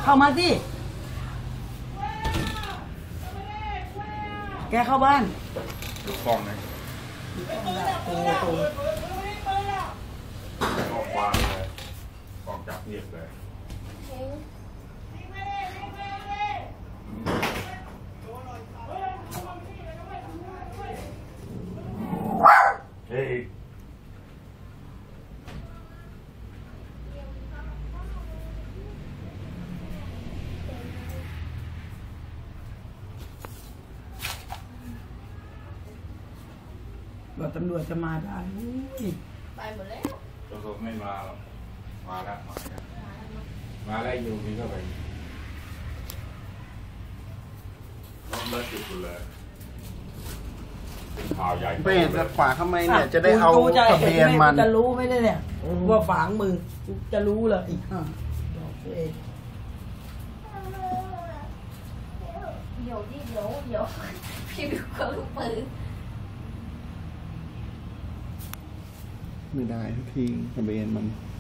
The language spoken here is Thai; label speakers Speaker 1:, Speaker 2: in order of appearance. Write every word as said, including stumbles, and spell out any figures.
Speaker 1: เข้ามาสิแกเข้าบ้าน
Speaker 2: ดูกล้องไหม
Speaker 1: โอ้โห
Speaker 2: กล้องวางเลยกล้องจับเงียบเลยเฮ้ย
Speaker 1: ว่าตำรวจจะมาได้
Speaker 3: ไปหมดแล้ว
Speaker 2: ตำรวจไม่มาหรอกมาแล้วมาแล้วมาแล้วอยู่นี่ก็ไปรถเลิกจุดเลยเป็นข่าวใหญ่
Speaker 4: ไปจะฝากทำไมเนี่ยจะได้เอาทะเบียนมัน
Speaker 1: จะรู้ไหมเนี่ยว่าฝังมือจะรู้เลยอีกอ่ะ
Speaker 3: เดี๋ยวดิเดี๋ยวเดี๋ยวพี่บิวก็ลูกปืน
Speaker 4: ไม่ได้ทุกทีทะเบียนมัน